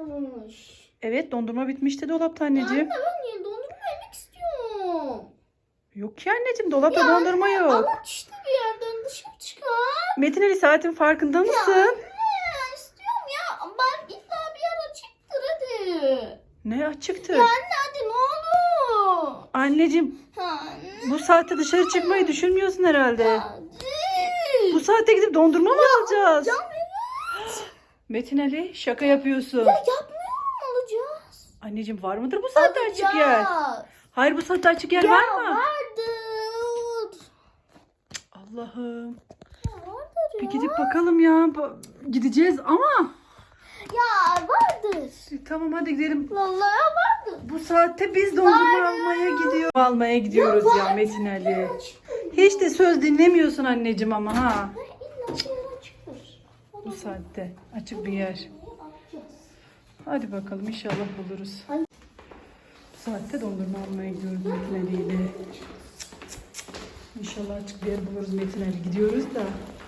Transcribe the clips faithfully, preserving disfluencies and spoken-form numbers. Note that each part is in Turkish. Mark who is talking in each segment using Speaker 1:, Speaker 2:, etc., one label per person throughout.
Speaker 1: kalmış.
Speaker 2: Evet, dondurma bitmişti dolapta anneciğim.
Speaker 1: Ya anne ben yeni dondurma yemek istiyorum.
Speaker 2: Yok ki anneciğim, dolapta
Speaker 1: Ya
Speaker 2: dondurma
Speaker 1: anne,
Speaker 2: yok.
Speaker 1: avuç işte bir yerden dışarı çıkar.
Speaker 2: Metin Ali, saatin farkında
Speaker 1: Ya
Speaker 2: mısın?
Speaker 1: anne istiyorum ya. Ben illa bir yer açıktır hadi.
Speaker 2: Ne açıktı?
Speaker 1: Ya anne hadi ne olur.
Speaker 2: Anneciğim,
Speaker 1: Anne.
Speaker 2: bu saatte dışarı çıkmayı düşünmüyorsun herhalde.
Speaker 1: Hadi.
Speaker 2: Bu saatte gidip dondurma mı alacağız?
Speaker 1: Can evet.
Speaker 2: Metin Ali, şaka yapıyorsun.
Speaker 1: Ya yapmıyorum alacağız.
Speaker 2: Anneciğim, var mıdır bu saatte açık yer?
Speaker 1: Alacağız.
Speaker 2: Hayır, bu saatte açık yer
Speaker 1: Ya
Speaker 2: var mı?
Speaker 1: vardır.
Speaker 2: Allah'ım.
Speaker 1: Ya vardır
Speaker 2: Bir
Speaker 1: ya.
Speaker 2: gidip bakalım ya. Ba- Gideceğiz ama.
Speaker 1: Ya vardır.
Speaker 2: Tamam, hadi gidelim.
Speaker 1: Vallahi vardır.
Speaker 2: Bu saatte biz dondurma almaya gidiyoruz. Almaya gidiyoruz ya, Metin Ali. Hiç de söz dinlemiyorsun anneciğim ama ha.
Speaker 1: İlla bir yer açıktır.
Speaker 2: Bu saatte açık bir yer. Hadi bakalım, inşallah buluruz. Bu saatte dondurma almaya gidiyoruz Metin Ali ile. İnşallah açık bir yer buluruz Metin Ali. Gidiyoruz da.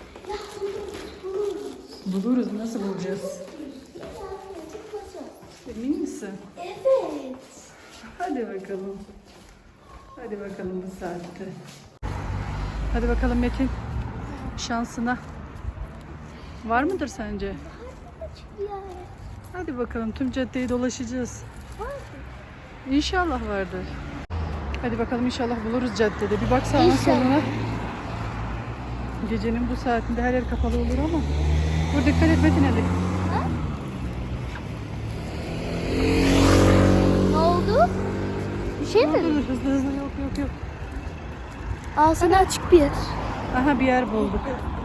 Speaker 2: Buluruz. Nasıl bulacağız? Emin misin?
Speaker 1: Evet.
Speaker 2: Hadi bakalım. Hadi bakalım bu saatte. Hadi bakalım Metin. Şansına. Var mıdır sence?
Speaker 1: Açık bir yer.
Speaker 2: Hadi bakalım, tüm caddeyi dolaşacağız. İnşallah vardır. Hadi bakalım, inşallah buluruz caddede. Bir bak sağına
Speaker 1: İnşallah.
Speaker 2: soluna. Gecenin bu saatinde her yer kapalı olur ama. Dur, dikkat et Metin Ali.
Speaker 1: Ne oldu? Bir şey
Speaker 2: Dur,
Speaker 1: mi?
Speaker 2: dur, hızlı hızlı, yok yok yok.
Speaker 1: Aa sana açık bir yer.
Speaker 2: Aha, bir yer bulduk.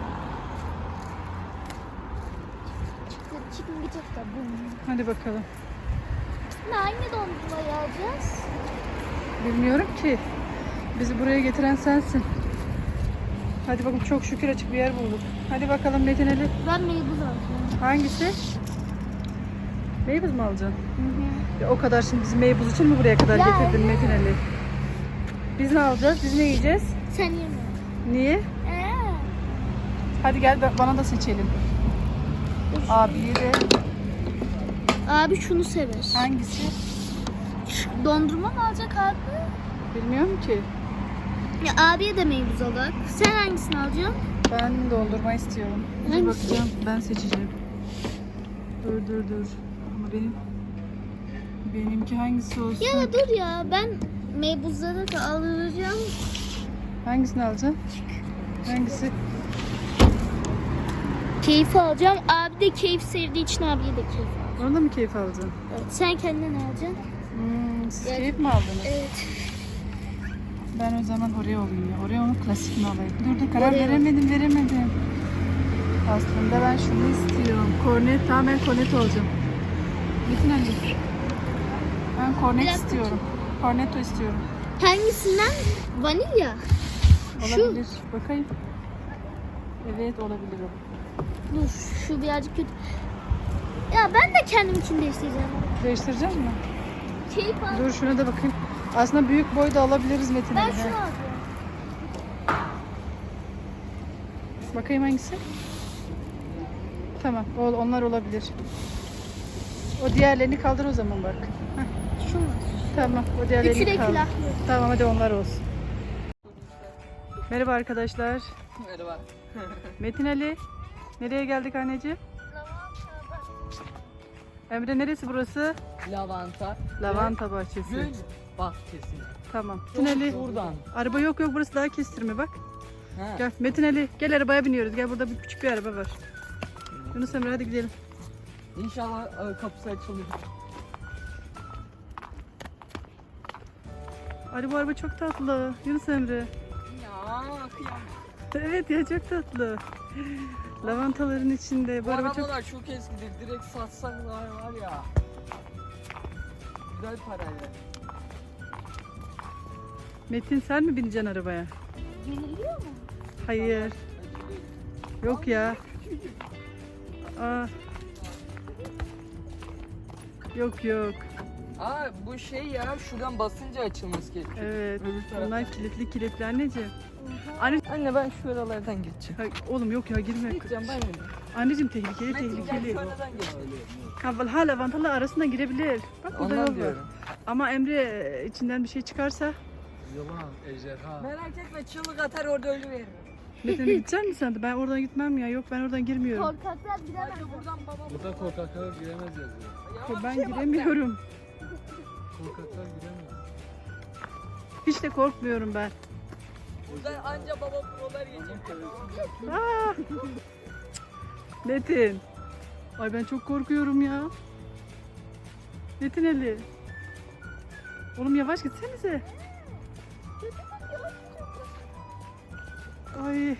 Speaker 1: Çıktı çıkmayacak da bu.
Speaker 2: Hadi bakalım.
Speaker 1: Ne hangi dondurmayı alacağız?
Speaker 2: Bilmiyorum ki. Bizi buraya getiren sensin. Hadi bakalım, çok şükür açık bir yer bulduk. Hadi bakalım Metin Ali.
Speaker 1: Ben meybuz alacağım.
Speaker 2: Hangisi? Meybuz mu alacaksın?
Speaker 1: Hı hı.
Speaker 2: Ya o kadar şimdi bizi meybuz için mi buraya kadar
Speaker 1: Ya
Speaker 2: getirdin
Speaker 1: evet.
Speaker 2: Metin Ali? Biz ne alacağız? Biz ne yiyeceğiz?
Speaker 1: Sen yeme.
Speaker 2: Niye?
Speaker 1: Ee,
Speaker 2: Hadi gel, bana da seçelim. Abiye de
Speaker 1: abi şunu sever.
Speaker 2: hangisi?
Speaker 1: Dondurma mı alacak abi?
Speaker 2: Bilmiyorum ki.
Speaker 1: Ya abiye de meybuz alak. Sen hangisini alacaksın?
Speaker 2: Ben dondurma istiyorum. Dur
Speaker 1: Hangisi?
Speaker 2: bakacağım. Ben seçeceğim. Dur dur dur. Ama benim benimki hangisi olsun?
Speaker 1: Ya dur ya ben meybuzları da alacağım.
Speaker 2: Hangisini alacaksın? Hangisi?
Speaker 1: Keyif alacağım. Abi de keyif sevdiği için abiye de keyif alacağım.
Speaker 2: Onu da mı keyif alacaksın?
Speaker 1: Evet. Sen kendine ne alacaksın?
Speaker 2: Hmm, siz
Speaker 1: Yani-
Speaker 2: keyif mi aldınız?
Speaker 1: Evet.
Speaker 2: Ben o zaman Oreo alayım ya. Oreo'nun klasikini alayım. Dur dur, karar
Speaker 1: Oreo.
Speaker 2: veremedim veremedim. Aslında ben şunu istiyorum. Kornet, tamam, ben kornet olacağım. Metin Ali. Ben kornet
Speaker 1: Bir dakika.
Speaker 2: istiyorum. Cornetto istiyorum.
Speaker 1: Hangisinden? Vanilya.
Speaker 2: Olabilir. Bakayım. Evet, olabilir o.
Speaker 1: Dur şu birazcık kötü. Ya ben de kendimkini değiştireceğim.
Speaker 2: Değiştireceğiz mi?
Speaker 1: Keyif al.
Speaker 2: Dur, şuna da bakayım. Aslında büyük boy da alabiliriz Metin
Speaker 1: Ben
Speaker 2: Ali.
Speaker 1: şunu alacağım.
Speaker 2: Bakayım hangisi? Tamam, o, onlar olabilir. O diğerlerini kaldır o zaman bak. Heh,
Speaker 1: Şunu.
Speaker 2: tamam, o diğerlerini
Speaker 1: Üçü de
Speaker 2: kaldır.
Speaker 1: külahlı.
Speaker 2: Tamam, hadi onlar olsun. Merhaba arkadaşlar.
Speaker 3: Merhaba.
Speaker 2: Metin Ali. Nereye geldik anneciğim? Emre, neresi burası?
Speaker 3: Lavanta.
Speaker 2: Lavanta bahçesi.
Speaker 3: Gül bahçesi.
Speaker 2: Tamam. Metin Ali.
Speaker 3: Buradan.
Speaker 2: Araba yok yok, burası daha kestirme bak.
Speaker 3: Ha.
Speaker 2: Gel Metin Ali, gel arabaya biniyoruz. Gel, burada bir küçük bir araba var. Yunus Emre, hadi gidelim.
Speaker 3: İnşallah e, kapısı açılır.
Speaker 2: Ali, bu araba çok tatlı. Yunus Emre.
Speaker 3: Ya kıyam.
Speaker 2: Evet ya, çok tatlı. Lavantaların içinde. Bu
Speaker 3: Bu
Speaker 2: araba çok...
Speaker 3: arabalar çok eskidir. Direkt satsalar var ya. Güzel parayla.
Speaker 2: Metin, sen mi bineceksin arabaya?
Speaker 1: Yeniliyor mu?
Speaker 2: Hayır. Yok ya. Aa. Yok yok.
Speaker 3: Aa bu şey ya, şuradan basınca açılması gerekiyor.
Speaker 2: Evet.
Speaker 3: Öbür taraftan.
Speaker 2: Bunlar kilitli kilitli anneciğim. Anne,
Speaker 3: Anne ben şu aralardan geçeceğim.
Speaker 2: ha, oğlum yok ya girme.
Speaker 3: Gideceğim ben de.
Speaker 2: Anneciğim tehlikeli
Speaker 3: Metin gel
Speaker 2: tehlikeli.
Speaker 3: şu aradan geçelim.
Speaker 2: Ha hala lavantalar arasından girebilir. Bak burada yol
Speaker 3: Ondan
Speaker 2: var.
Speaker 3: diyorum.
Speaker 2: Ama Emre içinden bir şey çıkarsa
Speaker 3: Yılan, ejderha. Merak etme çığlık atar orada ölüveririm.
Speaker 2: Metin'e gidecek misin sen de? Ben oradan gitmem ya. Yok ben oradan girmiyorum.
Speaker 1: Korkaklar giremez.
Speaker 3: Buradan babam.
Speaker 4: Burada korkaklar giremez yazıyor.
Speaker 2: Ben giremiyorum.
Speaker 4: Korkaklar giremez.
Speaker 2: Hiç de korkmuyorum ben.
Speaker 3: Buradan anca baba prolar geçecek.
Speaker 2: Aa! Metin. Ay ben çok korkuyorum ya. Metin Ali. Oğlum yavaş gitsenize. Ay.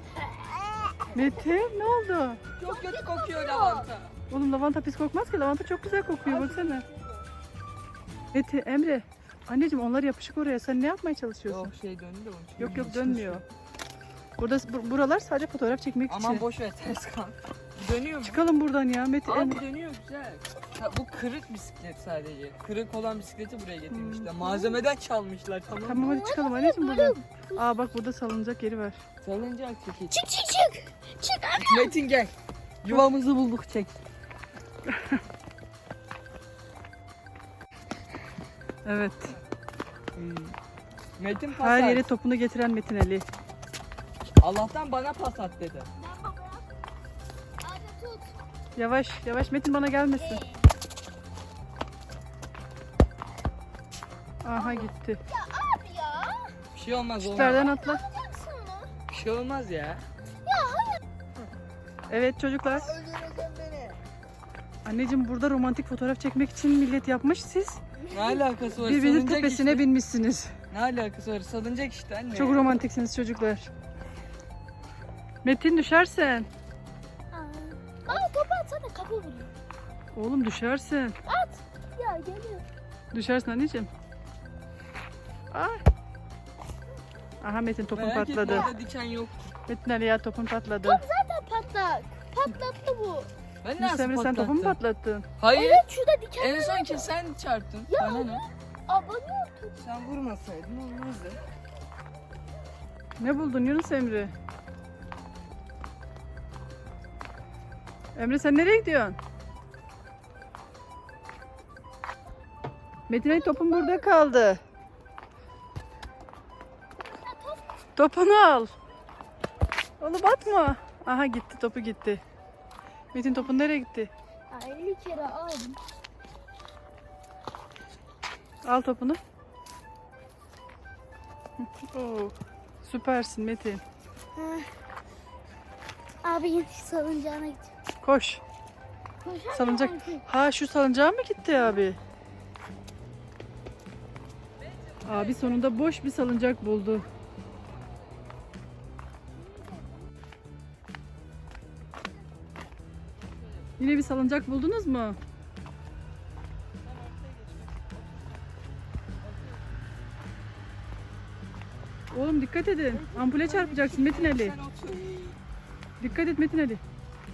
Speaker 2: Metin ne oldu?
Speaker 3: Çok kötü kokuyor lavanta.
Speaker 2: Oğlum lavanta pis kokmaz ki. Lavanta çok güzel kokuyor baksana. Metin, Emre. Anneciğim onlar yapışık oraya. Sen ne yapmaya çalışıyorsun?
Speaker 3: Yok şey döndü de onun için.
Speaker 2: Yok yok dönmüyor. Burada bu- buralar sadece fotoğraf çekmek için.
Speaker 3: Aman boş ver ters kal. Dönüyor mu?
Speaker 2: Çıkalım buradan ya Metin.
Speaker 3: Abi dönüyor güzel. Ha, bu kırık bisiklet sadece. Kırık olan bisikleti buraya getirmişler. Malzemeden çalmışlar tamam mı?
Speaker 2: Tamam hadi çıkalım anneciğim buradan. Aa bak burada salınacak yeri var.
Speaker 3: Salıncak çekici.
Speaker 1: Çık çık çık. Çık.
Speaker 3: Metin gel. Yuvamızı bulduk çek.
Speaker 2: Evet.
Speaker 3: Hmm. Metin pas
Speaker 2: Her
Speaker 3: at.
Speaker 2: yere topunu getiren Metin Ali.
Speaker 3: Allah'tan bana pas at dedi.
Speaker 1: Ben babaya. Hadi tut.
Speaker 2: Yavaş yavaş Metin bana gelmesin. Aha gitti.
Speaker 1: Abi ya.
Speaker 3: Bir şey olmaz olmaz.
Speaker 2: Üstlerden atla.
Speaker 1: Yapacaksın mı?
Speaker 3: Bir şey olmaz ya.
Speaker 2: Evet çocuklar.
Speaker 1: Öldüreceğim beni.
Speaker 2: Anneciğim burada romantik fotoğraf çekmek için millet yapmış. Siz
Speaker 3: Ne alakası var?
Speaker 2: birbirinizin
Speaker 3: Salıncak
Speaker 2: tepesine
Speaker 3: işte.
Speaker 2: binmişsiniz.
Speaker 3: Ne alakası var? Salıncak işte anne.
Speaker 2: Çok romantiksiniz çocuklar. Metin düşersen.
Speaker 1: Aa. Bana topu atsana kapı vuruyor.
Speaker 2: Oğlum düşersin.
Speaker 1: At. Ya geliyor.
Speaker 2: Düşersin anneciğim. Ay. Aha Metin topun
Speaker 3: Merak etme,
Speaker 2: patladı.
Speaker 3: orada diken yok.
Speaker 2: Metin Ali ya topun patladı.
Speaker 1: Zaten patlak. Patlattı bu.
Speaker 3: Ben
Speaker 2: Yunus
Speaker 3: nasıl
Speaker 2: Emre sen topu mu
Speaker 3: patlattım?
Speaker 2: patlattın?
Speaker 3: Hayır.
Speaker 1: Evet şurada diken.
Speaker 3: En son ki sen çarptın. Bana ne?
Speaker 1: Abone
Speaker 3: Sen vurmasaydın olmazdı.
Speaker 2: Ne buldun Yunus Emre? Emre sen nereye gidiyorsun? Metin Ali topun burada kaldı. Topunu al. Oğlum atma. Aha gitti topu gitti. Metin topun nereye gitti?
Speaker 1: elli kere aldım.
Speaker 2: Al topunu. Oo, süpersin Metin.
Speaker 1: Abi yine salıncağına gideceğim.
Speaker 2: Koş.
Speaker 1: Koşar
Speaker 2: Salıncak.
Speaker 1: mısın?
Speaker 2: Ha şu salıncağa mı gitti abi? Abi sonunda boş bir salıncak buldu. Yine bir salıncak buldunuz mu? Oğlum dikkat edin. Ampule çarpacaksın Metin Ali.
Speaker 3: Sen otur.
Speaker 2: Dikkat et Metin Ali.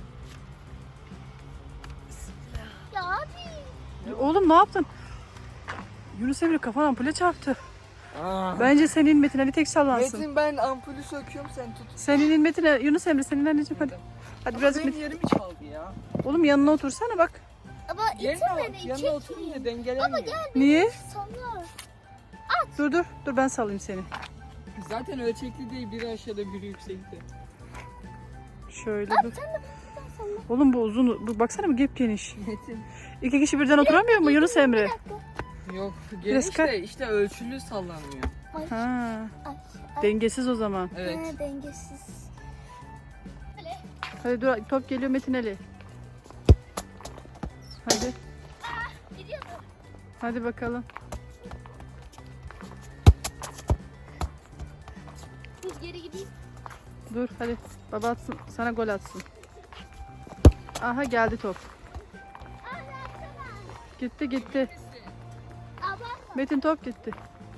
Speaker 1: Ya abi.
Speaker 2: Oğlum ne yaptın? Yunus Emre kafan ampule çarptı.
Speaker 3: Aa.
Speaker 2: Bence senin Metin Ali tek sallansın.
Speaker 3: Metin ben ampulü söküyorum sen tut.
Speaker 2: Senin Metin Ali, Yunus Emre senin anneciğim hadi. Hadi
Speaker 3: Ama
Speaker 2: birazcık
Speaker 3: benim
Speaker 2: Metin.
Speaker 3: yerimi çaldı ya.
Speaker 2: Oğlum yanına otursana bak.
Speaker 1: Ama
Speaker 3: Yerine
Speaker 1: itin
Speaker 3: bak.
Speaker 1: beni
Speaker 3: Yanına
Speaker 1: çek.
Speaker 3: oturunca dengelemiyor.
Speaker 2: Niye?
Speaker 1: Sallar.
Speaker 2: Dur dur. Dur ben sallayayım seni.
Speaker 3: Zaten ölçekli değil. Biri aşağıda biri yüksekte.
Speaker 2: Şöyle dur. Oğlum bu uzun. Bu, baksana bu gep geniş.
Speaker 3: Metin.
Speaker 2: İki kişi birden oturamıyor mu Yunus Emre?
Speaker 1: Bir dakika.
Speaker 3: Yok
Speaker 2: Biraz
Speaker 3: geniş
Speaker 2: kar-
Speaker 3: de işte ölçülü sallanmıyor.
Speaker 1: Ay.
Speaker 2: Ha,
Speaker 1: Ay. Ay.
Speaker 2: dengesiz o zaman.
Speaker 3: Evet.
Speaker 1: He, dengesiz. Böyle.
Speaker 2: Hadi dur top geliyor Metin Ali. Hadi.
Speaker 1: Gidiyor mu?
Speaker 2: Hadi bakalım.
Speaker 1: Dur geri gideyim.
Speaker 2: Dur hadi. Baba atsın. Sana gol atsın. Aha geldi top. Gitti gitti.
Speaker 1: Abartma.
Speaker 2: Metin top gitti.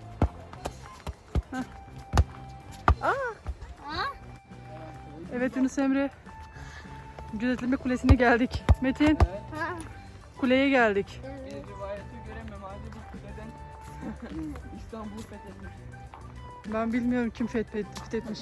Speaker 2: Hah. Aa,
Speaker 1: Ha?
Speaker 2: evet Yunus Emre. Gözetleme kulesine geldik. Metin
Speaker 3: Evet.
Speaker 1: Ha.
Speaker 2: kuleye geldik.
Speaker 1: Evet.
Speaker 3: Bir rivayeti göremem. Hadi bu kuleden İstanbul fethetmiş.
Speaker 2: Ben bilmiyorum kim fethet- fethetmiş.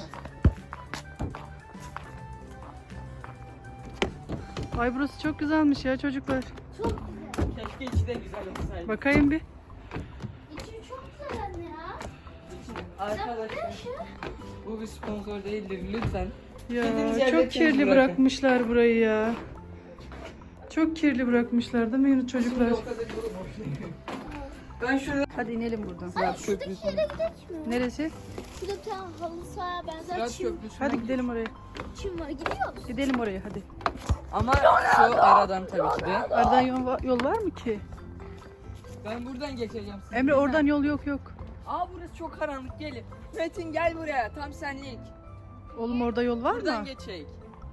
Speaker 2: Ay burası çok güzelmiş ya çocuklar.
Speaker 1: Çok güzel.
Speaker 3: Keşke içi de güzel olsaydı.
Speaker 2: Bakayım bir.
Speaker 1: İçi çok güzel anne ya.
Speaker 3: Arkadaşlar bu bir sponsor değildir lütfen.
Speaker 2: Ya
Speaker 3: Dediğiniz yerde
Speaker 2: çok
Speaker 3: temiz
Speaker 2: kirli
Speaker 3: bırakın.
Speaker 2: bırakmışlar burayı ya. Çok kirli bırakmışlar değil mi Yunus çocuklar?
Speaker 3: O kadar yolu boş ver. Ben şurada
Speaker 2: Hadi inelim buradan.
Speaker 3: Sırat
Speaker 1: Şuradaki
Speaker 3: köprüsü.
Speaker 1: yere gidelim mi?
Speaker 2: Neresi?
Speaker 1: Şurada bir tane halı sahaya benzer
Speaker 3: Sırat
Speaker 1: çim,
Speaker 3: köprüsü.
Speaker 2: Hadi gidelim oraya.
Speaker 1: çim var. Gidiyoruz.
Speaker 2: Gidelim oraya hadi.
Speaker 3: Ama şu aradan tabii ki de.
Speaker 2: Aradan yol, va- yol var mı ki?
Speaker 3: Ben buradan geçeceğim. siz
Speaker 2: Emre
Speaker 3: buradan-
Speaker 2: oradan yol yok yok.
Speaker 3: Aa burası çok karanlık gelin. Metin gel buraya tam senlik.
Speaker 2: Oğlum orada yol var
Speaker 3: Buradan
Speaker 2: mı?
Speaker 3: geçeyik.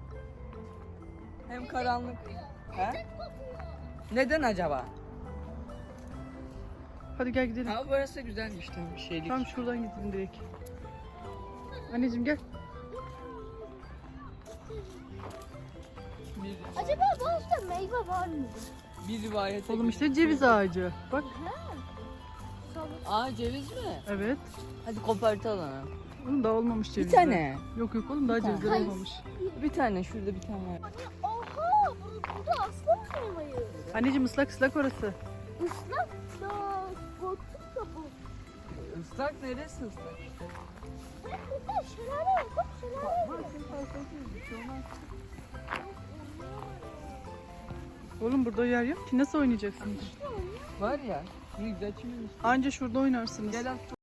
Speaker 3: Hem karanlık. He? Neden acaba?
Speaker 2: Hadi gel gidelim.
Speaker 3: Aa burası güzelmiş tam bir şeylik.
Speaker 2: Tam şuradan gidelim direkt. Anneciğim gel.
Speaker 3: Bir,
Speaker 1: Acaba bazı meyve var mı?
Speaker 3: bir rivayete
Speaker 2: Oğlum
Speaker 3: göre-
Speaker 2: işte ceviz ağacı. Bak.
Speaker 3: Aa ceviz mi?
Speaker 2: Evet.
Speaker 3: Hadi kopartalım.
Speaker 2: Oğlum daha olmamış
Speaker 3: Bir
Speaker 2: cevizler.
Speaker 3: tane.
Speaker 2: Yok yok oğlum daha
Speaker 3: tane.
Speaker 2: cevizler olmamış.
Speaker 3: Bir tane şurada bir tane var.
Speaker 1: Oha! Bu- Burada aslan meyveyi.
Speaker 2: Anneciğim ıslak ıslak orası.
Speaker 1: Islak da korktum da bu.
Speaker 3: Islak neresi ıslak işte?
Speaker 1: Burada şelale var. Bak şelale var.
Speaker 2: Oğlum burada yer yok ki nasıl oynayacaksınız?
Speaker 3: Var ya. Ne güzel çimin işte.
Speaker 2: Anca şurada oynarsınız.
Speaker 3: Gel at.